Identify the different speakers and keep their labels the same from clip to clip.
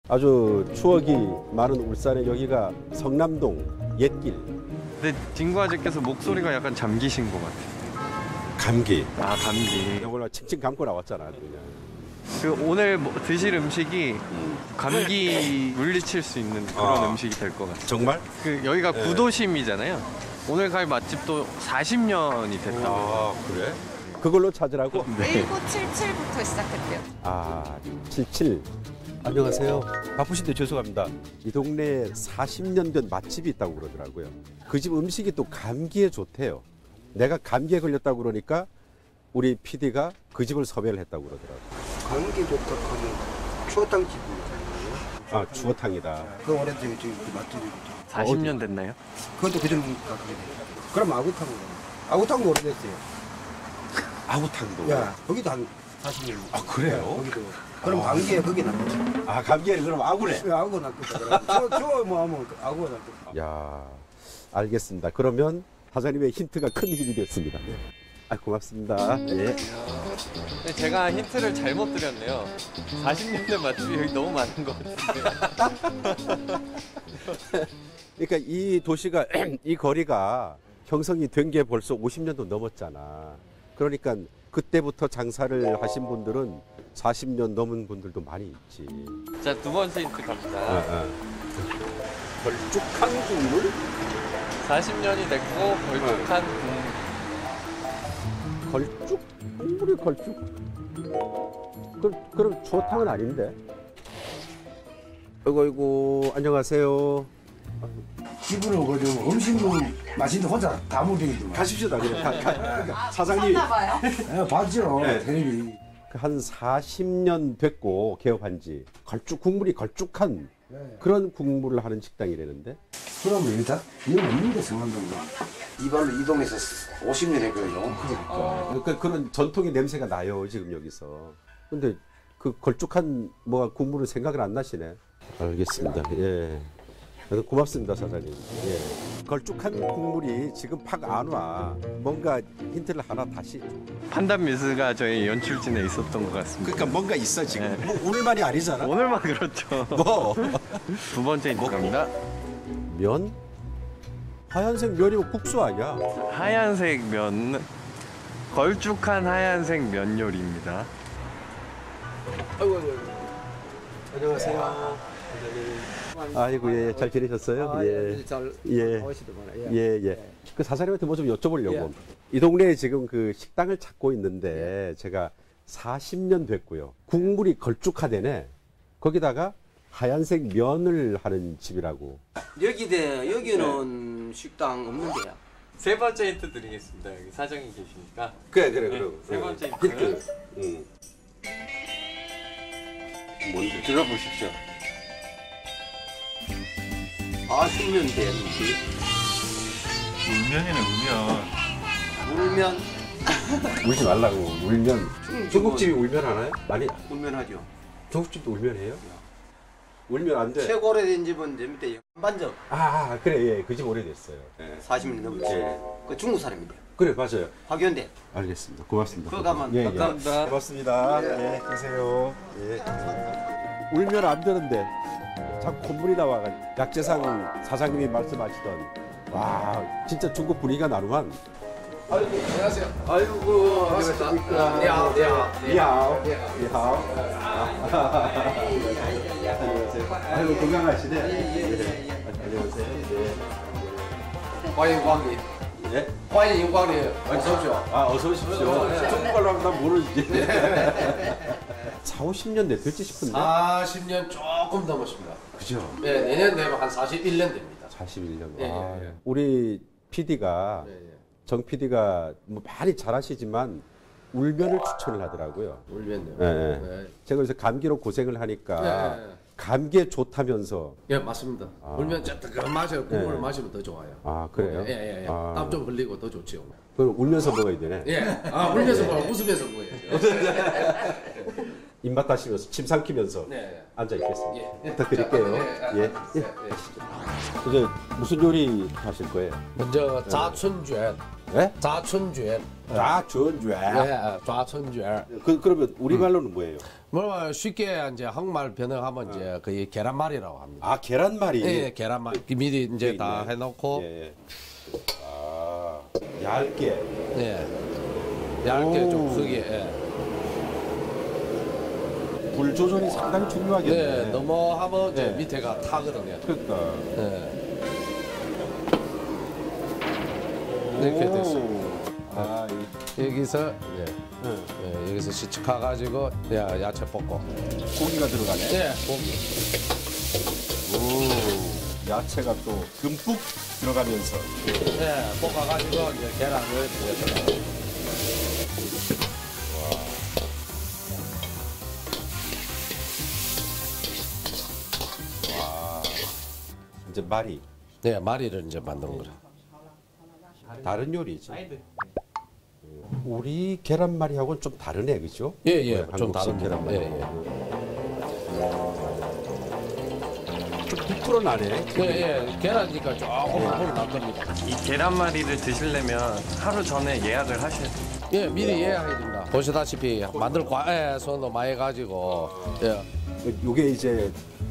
Speaker 1: 아주 추억이 많은 울산의 여기가 성남동 옛길.
Speaker 2: 근데 진구 아저께서 목소리가 약간 잠기신 것 같아요.
Speaker 1: 감기.
Speaker 2: 아, 감기.
Speaker 1: 이걸 칭칭 감고 나왔잖아 그냥.
Speaker 2: 그 오늘 드실 음식이 감기 물리칠 수 있는 그런 음식이 될 것 같아요.
Speaker 1: 정말?
Speaker 2: 그 여기가
Speaker 1: 네.
Speaker 2: 구도심이잖아요. 오늘 갈 맛집도 40년이 됐다고.
Speaker 1: 아 그래? 그걸로 찾으라고?
Speaker 2: 네.
Speaker 3: 1977부터 시작했대요.
Speaker 1: 아 77. 안녕하세요. 바쁘신데 죄송합니다. 이 동네에 40년 된 맛집이 있다고 그러더라고요. 그 집 음식이 또 감기에 좋대요. 내가 감기에 걸렸다고 그러니까 우리 PD가 그 집을 섭외를 했다고 그러더라고요.
Speaker 4: 감기 좋다 하면 추어탕집이에요.
Speaker 1: 아 추어탕이다.
Speaker 4: 그 오래된 저기 맛집이고.
Speaker 2: 40년 됐나요?
Speaker 4: 그것도 그전부터 그게 돼요. 그럼 아구탕. 아구탕도 오래됐어요.
Speaker 1: 아구탕도.
Speaker 4: 야, 거기도 한 40년.
Speaker 1: 아 그래요?
Speaker 4: 거기도. 그럼 감기에 거기 낫지.
Speaker 1: 아 감기에 그럼 아구래.
Speaker 4: 아구 낫겠다. 저뭐 하면 아구가 낫겠다.
Speaker 1: 야 알겠습니다. 그러면 사장님의 힌트가 큰 힘이 됐습니다. 아 고맙습니다. 예.
Speaker 2: 근데 제가 힌트를 잘못 드렸네요. 40년 된 맛집이 여기 너무 많은 것 같은데.
Speaker 1: 그러니까 이 도시가 이 거리가 형성이 된 게 벌써 50년도 넘었잖아. 그러니까 그때부터 장사를 하신 분들은 40년 넘은 분들도 많이 있지.
Speaker 2: 자, 두 번째 힌트 갑니다.
Speaker 1: 걸쭉한 국물?
Speaker 2: 40년이 됐고 걸쭉한 국물.
Speaker 1: 걸쭉? 국물이 걸쭉? 그럼 추어탕은 아닌데. 아이고 안녕하세요.
Speaker 4: 집으로 그저 음식은 맛있는데 혼자 다 먹이더만.
Speaker 1: 가십시다 그냥. 사장님
Speaker 3: 봤나봐요.
Speaker 4: 예, 봤죠.
Speaker 1: 네.
Speaker 4: 텔레비.
Speaker 1: 한 40년 됐고 개업한 지 국물이 걸쭉한
Speaker 4: 네.
Speaker 1: 그런 국물을 하는 식당이라는데.
Speaker 4: 그러면 일단 이건 없는데 성남동가. 이발로 이동해서 50년 했거든요.
Speaker 1: 그러니까 그런 전통의 냄새가 나요 지금 여기서. 근데 그 걸쭉한 뭐가 국물은 생각을 안 나시네. 알겠습니다. 예. 고맙습니다 사장님. 예. 걸쭉한 국물이 지금 팍 안 와. 뭔가 힌트를 하나 다시.
Speaker 2: 판단 미스가 저희 연출진에 있었던 것 같습니다.
Speaker 1: 그러니까 뭔가 있어 지금.
Speaker 2: 네.
Speaker 1: 뭐 오늘만이 아니잖아.
Speaker 2: 오늘만 그렇죠.
Speaker 1: 뭐
Speaker 2: 두 번째 힌트 갑니다.
Speaker 1: 면? 하얀색 면이면 국수 아니야?
Speaker 2: 하얀색 면, 걸쭉한 하얀색 면 요리입니다.
Speaker 1: 아이고. 안녕하세요. 아이고 예, 잘 지내셨어요? 예.
Speaker 4: 잘
Speaker 1: 예.
Speaker 4: 오시더만.
Speaker 1: 예. 그 사장님한테 뭐 좀 여쭤보려고. 이 동네에 지금 그 식당을 찾고 있는데 제가 40년 됐고요. 국물이 걸쭉하대네. 거기다가 하얀색 면을 하는 집이라고.
Speaker 5: 여기는 식당 없는데요.
Speaker 2: 세 번째 힌트 드리겠습니다. 여기 사장이 계시니까.
Speaker 1: 그래.
Speaker 2: 세 번째 힌트.
Speaker 1: 뭔데?
Speaker 2: 들어보십시오.
Speaker 5: 40년 된 음식.
Speaker 2: 울면이네, 울면.
Speaker 5: 울면
Speaker 1: 울지 말라고. 울면. 중국집이 울면 하나요? 많이.
Speaker 5: 울면하죠.
Speaker 1: 중국집도 울면 해요? 울면 안 돼.
Speaker 5: 최고 오래된 집은 제 밑에 반점
Speaker 1: 그래. 예. 그 집 오래됐어요. 예.
Speaker 5: 40년 넘었지.
Speaker 1: 예.
Speaker 5: 그 중국 사람인데요.
Speaker 1: 그래, 맞아요.
Speaker 5: 화교인데.
Speaker 1: 알겠습니다. 고맙습니다.
Speaker 5: 그거 가면
Speaker 1: 예.
Speaker 2: 감사합니다.
Speaker 1: 고맙습니다. 예, 계세요. 예. 울면 안 되는데 자꾸 콧물이 나와가지고 약재상 사장님이 말씀하시던 와 진짜 중국 분위기가 나누만.
Speaker 4: 아이고, 안녕하세요.
Speaker 5: 아이고,
Speaker 1: 안녕하십니까. 니하오. 안녕하세요. 아이고 건강하시네. 안녕하세요.
Speaker 4: 欢迎光临，
Speaker 1: 예.
Speaker 4: 欢迎光临，어서 오십시오.
Speaker 1: 어서 오십시오. 중국말로 하면 난 모르지. 40~50년 됐을지 싶은데.
Speaker 4: 40년 조금 넘었습니다.
Speaker 1: 그죠?
Speaker 4: 네, 내년 되면 한 41년 됩니다.
Speaker 1: 41년.
Speaker 4: 예.
Speaker 1: 우리 PD가 정 PD가 뭐 많이 잘하시지만 울면을 추천을 하더라고요.
Speaker 4: 울면요.
Speaker 1: 예.
Speaker 4: 네.
Speaker 1: 제가 그래서 감기로 고생을 하니까
Speaker 4: 예.
Speaker 1: 감기에 좋다면서.
Speaker 4: 예, 맞습니다. 울면 그 마셔 국물을
Speaker 1: 예.
Speaker 4: 마시면 더 좋아요.
Speaker 1: 아 그래요?
Speaker 4: 예.
Speaker 1: 아.
Speaker 4: 땀 좀 흘리고 더 좋지요.
Speaker 1: 그럼 울면서 먹어야 되네.
Speaker 4: 예. 울면서 먹어, 웃으면서 먹어야죠.
Speaker 1: 입맛 다시면서 침 삼키면서
Speaker 4: 네.
Speaker 1: 앉아 있겠습니다.
Speaker 4: 예.
Speaker 1: 부탁드릴게요. 예. 이제 무슨 요리 하실 거예요?
Speaker 4: 먼저 자춘卷,
Speaker 1: 예?
Speaker 4: 자춘卷.
Speaker 1: 좌천좌.
Speaker 6: 예, 좌천주얼.
Speaker 1: 그러면 우리말로는 뭐예요?
Speaker 6: 뭐 쉽게 이제 한국말 번역하면 이제 거의 계란말이라고 합니다.
Speaker 1: 아, 계란말이.
Speaker 6: 예, 계란말. 미리 이제 다
Speaker 1: 있네.
Speaker 6: 해놓고
Speaker 1: 예. 아, 얇게.
Speaker 6: 예, 얇게
Speaker 1: 오.
Speaker 6: 좀 크게. 예.
Speaker 1: 불 조절이 상당히 중요하겠네.
Speaker 6: 네, 너무 하면 이제
Speaker 1: 네.
Speaker 6: 밑에가 타거든요.
Speaker 1: 그러니까.
Speaker 6: 예. 이렇게 됐어요.
Speaker 1: 아,
Speaker 6: 여기서 이제
Speaker 1: 응.
Speaker 6: 예, 여기서 시축해 가지고 야채 볶고.
Speaker 1: 고기가 들어가네.
Speaker 6: 예, 고기.
Speaker 1: 오, 야채가 또 듬뿍 들어가면서.
Speaker 6: 예, 볶아 가지고 이제 계란을 이제 넣어요.
Speaker 1: 이제 말이
Speaker 6: 네, 마리를 이제 만드는 거라.
Speaker 1: 다른 요리지. 우리 계란말이하고는 좀 다르네, 그죠?
Speaker 6: 예, 예,
Speaker 1: 한국식
Speaker 6: 좀 다른
Speaker 1: 계란말이.
Speaker 6: 예, 예.
Speaker 1: 좀 부풀어 나네.
Speaker 6: 예, 예, 계란이니까 조금 앞으로 날 겁니다.
Speaker 2: 이 계란말이를 드시려면 하루 전에 예약을 하셔야 돼요.
Speaker 6: 예, 미리 예약해야 됩니다. 보시다시피 만들 과에 손도 많이 가지고 예,
Speaker 1: 요게 이제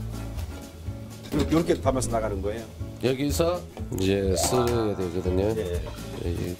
Speaker 1: 이렇게 담아서 나가는 거예요.
Speaker 6: 여기서 이제 썰어야 되거든요.
Speaker 1: 예.
Speaker 6: 예,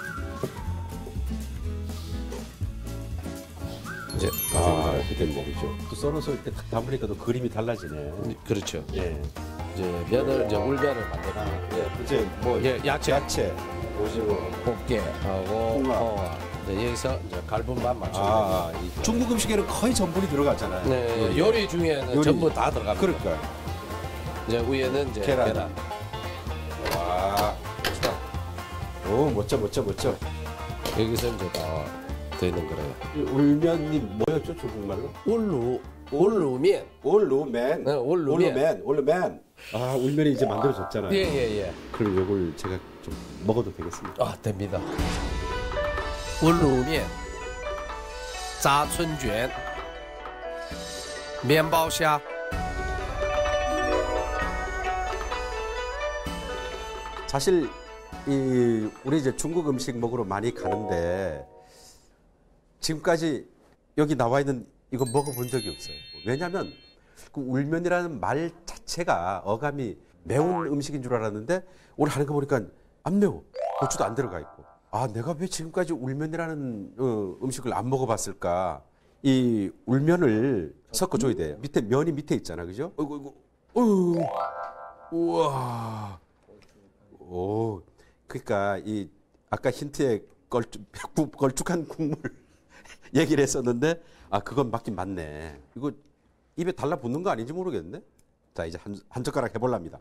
Speaker 6: 이제
Speaker 1: 아, 그게 뭐죠? 또 썰어서 이렇게 딱 담으니까 또 그림이 달라지네.
Speaker 6: 그렇죠.
Speaker 1: 예.
Speaker 6: 이제 면을 이제 울면을 만들고
Speaker 1: 예. 이제 뭐
Speaker 6: 예, 야채,
Speaker 1: 야채, 오징어.
Speaker 6: 꽃게하고
Speaker 1: 홍합.
Speaker 6: 홍합. 이제 여기서 이제 갈분만 맞춰.
Speaker 1: 아, 이 중국 음식에는 거의 전분이 들어가잖아요.
Speaker 6: 네, 요리 중에는
Speaker 1: 요리.
Speaker 6: 전부 다 들어갑니다.
Speaker 1: 그러니까.
Speaker 6: 이제 위에는 이제
Speaker 1: 계란.
Speaker 6: 계란.
Speaker 1: 와, 멋있다. 오, 멋져, 멋져, 멋져.
Speaker 6: 여기서 이제 다 되는 거래요.
Speaker 1: 이 울면님 뭐였죠, 중국말로?
Speaker 6: 울루면.
Speaker 1: 올루맨.
Speaker 6: 네, 올루면.
Speaker 1: 올루맨. 올루맨. 아, 울면이 이제 만들어졌잖아요.
Speaker 6: 예.
Speaker 1: 그럼 이걸 제가 좀 먹어도 되겠습니까?
Speaker 6: 아, 됩니다. 울루면, 炸春卷, 面包虾.
Speaker 1: 사실 이 우리 이제 중국 음식 먹으러 많이 가는데 지금까지 여기 나와 있는 이거 먹어본 적이 없어요. 왜냐하면 그 울면이라는 말 자체가 어감이 매운 음식인 줄 알았는데 오늘 하는 거 보니까 안 매워. 고추도 안 들어가 있고. 아, 내가 왜 지금까지 울면이라는 음식을 안 먹어봤을까? 이 울면을 섞어줘야 돼. 밑에 면이 밑에 있잖아, 그죠? 어이구, 우와. 오, 그러니까 이 아까 힌트에 걸쭉한 국물 얘기를 했었는데 아, 그건 맞긴 맞네. 이거 입에 달라붙는 거 아닌지 모르겠는데. 자, 이제 한 젓가락 해볼랍니다.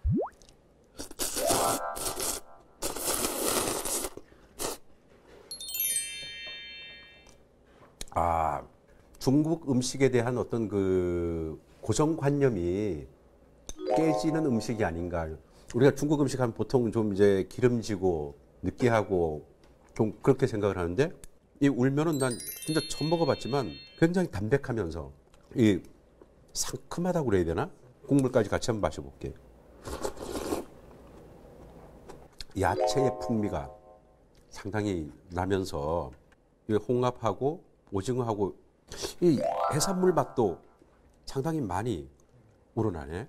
Speaker 1: 아, 중국 음식에 대한 어떤 그 고정관념이 깨지는 음식이 아닌가. 우리가 중국 음식 하면 보통 좀 이제 기름지고 느끼하고 좀 그렇게 생각을 하는데 이 울면은 난 진짜 처음 먹어봤지만 굉장히 담백하면서 이 상큼하다고 그래야 되나? 국물까지 같이 한번 마셔볼게요. 야채의 풍미가 상당히 나면서 이 홍합하고 오징어하고 이 해산물 맛도 상당히 많이 우러나네.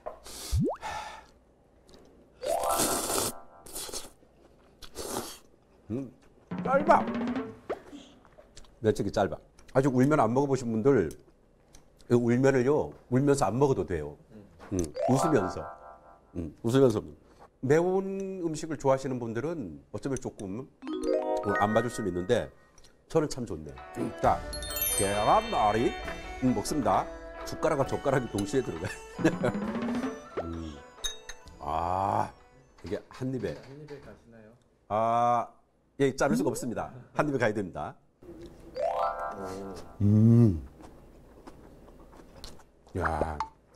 Speaker 1: 짧아. 면적이 짧아. 아직 울면 안 먹어보신 분들 이 울면을요 울면서 안 먹어도 돼요. 웃으면서 웃으면서 매운 음식을 좋아하시는 분들은 어쩌면 조금 안 맞을 수는 있는데 저는 참 좋네요. 자, 계란말이 먹습니다. 숟가락과 젓가락이 동시에 들어가요. 아, 이게 한 입에. 한 입에 가시나요? 아, 예, 자를 수가 없습니다. 한 입에 가야 됩니다. 야,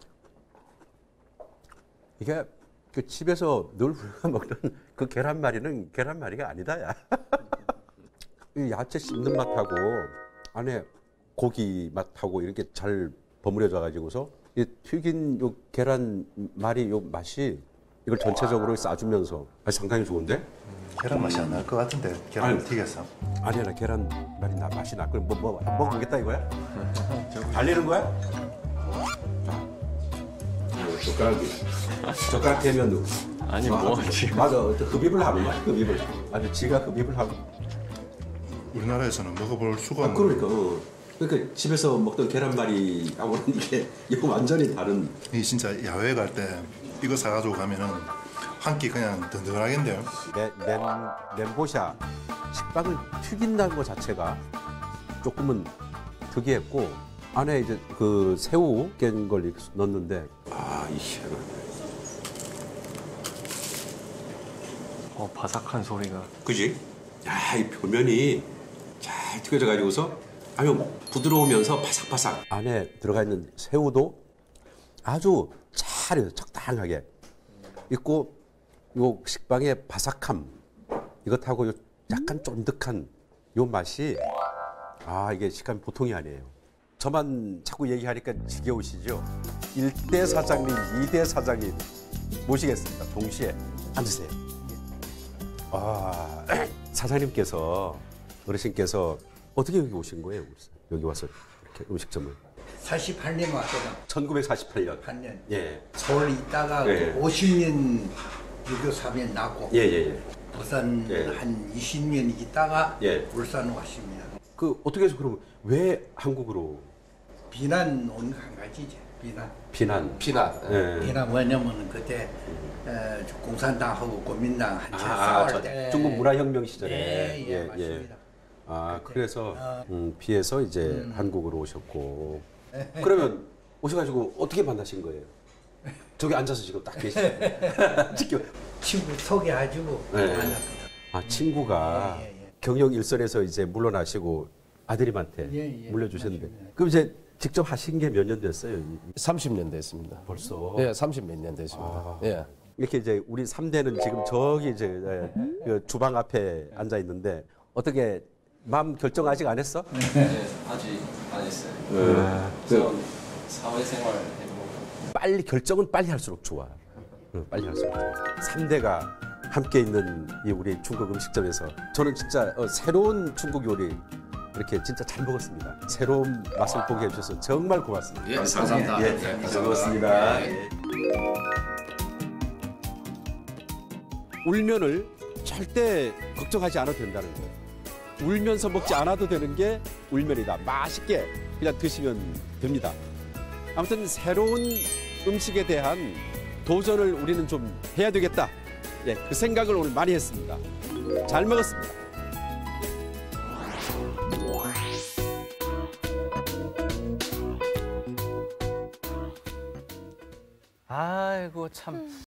Speaker 1: 이게 그 집에서 늘 우리가 먹는 그 계란말이는 계란말이가 아니다, 야. 이 야채 씹는 맛하고 안에 고기 맛하고 이렇게 잘 버무려져 가지고서 이 튀긴 요 계란말이 요 맛이 이걸 전체적으로 싸주면서 상당히 좋은데?
Speaker 7: 계란 맛이 안 날 것 같은데 계란을
Speaker 1: 아니.
Speaker 7: 튀겨서.
Speaker 1: 아니야, 나 계란말이 나 맛이 나. 그럼 뭐 먹어보겠다 이거야? 달리는 거야? 자, 젓가락 대면
Speaker 2: 아니 뭐 지금
Speaker 1: 맞아, 흡입을 하는 거야. 흡입을 아주 지가 흡입을 하고.
Speaker 7: 우리나라에서는 먹어볼 수가 없는.
Speaker 1: 그러니까 그러니까 집에서 먹던 계란말이하고는 이거 완전히 다른.
Speaker 7: 이 진짜 야외 갈 때 이거 사가지고 가면은 한 끼 그냥 든든하겠는데요.
Speaker 1: 멘보샤 식빵을 튀긴다는 것 자체가 조금은 특이했고 안에 이제 그 새우 깬 걸 이렇게 넣었는데 이 희한하네.
Speaker 2: 바삭한 소리가.
Speaker 1: 그지? 야, 이 표면이 잘 튀겨져 가지고서 아주 부드러우면서 바삭바삭. 안에 들어가 있는 새우도 아주 잘 적당하게 있고 요 식빵의 바삭함 이것하고 요 약간 쫀득한 요 맛이 이게 식감이 보통이 아니에요. 저만 자꾸 얘기하니까 지겨우시죠? 1대 사장님, 2대 사장님 모시겠습니다. 동시에 앉으세요. 사장님께서 어르신께서 어떻게 여기 오신 거예요? 여기 와서 이렇게 음식점을
Speaker 8: 48년 왔거든.
Speaker 1: 1948년.
Speaker 8: 8년.
Speaker 1: 예.
Speaker 8: 서울에 있다가
Speaker 1: 예.
Speaker 8: 50년 유교 사변 났고
Speaker 1: 예.
Speaker 8: 부산
Speaker 1: 예.
Speaker 8: 한 20년 있다가
Speaker 1: 예.
Speaker 8: 울산 왔습니다.
Speaker 1: 그 어떻게 해서 그러면 왜 한국으로
Speaker 8: 비난 온 한 가지지. 비난.
Speaker 1: 비난?
Speaker 6: 비난.
Speaker 1: 예.
Speaker 8: 비난 왜냐면은 그때 공산당하고国民党 한참 싸울 때.
Speaker 1: 중국 문화혁명 시절에.
Speaker 8: 예, 맞습니다.
Speaker 1: 그래서 피해서 이제 한국으로 오셨고. 그러면 오셔가지고 어떻게 만나신 거예요? 저기 앉아서 지금 딱 계시죠. 지금.
Speaker 8: 친구 소개해주고
Speaker 1: 네.
Speaker 8: 만났거든.
Speaker 1: 친구가
Speaker 8: 예.
Speaker 1: 경영 일선에서 이제 물러나시고 아드님한테
Speaker 8: 예,
Speaker 1: 물려주셨는데.
Speaker 8: 맞습니다.
Speaker 1: 그럼 이제 직접 하신 게 몇 년 됐어요?
Speaker 6: 30년 됐습니다.
Speaker 1: 벌써.
Speaker 6: 예, 30 몇 년 됐습니다. 예.
Speaker 1: 이렇게 이제 우리 3대는 지금 저기 이제 그 주방 앞에 앉아 있는데 어떻게 마음 결정 아직 안 했어?
Speaker 2: 네, 아직 안 했어요. 사회생활 해보고.
Speaker 1: 빨리 결정은 빨리 할수록 좋아. 빨리 할수록 좋아. 3대가 함께 있는 이 우리 중국 음식점에서 저는 진짜 새로운 중국 요리 이렇게 진짜 잘 먹었습니다. 새로운 맛을 보게 해주셔서 정말 고맙습니다.
Speaker 6: 예, 감사합니다.
Speaker 1: 예, 잘 먹었습니다. 울면을 절대 걱정하지 않아도 된다는 거예요. 울면서 먹지 않아도 되는 게 울면이다. 맛있게 그냥 드시면 됩니다. 아무튼 새로운 음식에 대한 도전을 우리는 좀 해야 되겠다. 예, 그 생각을 오늘 많이 했습니다. 잘 먹었습니다.
Speaker 2: 아이고 참.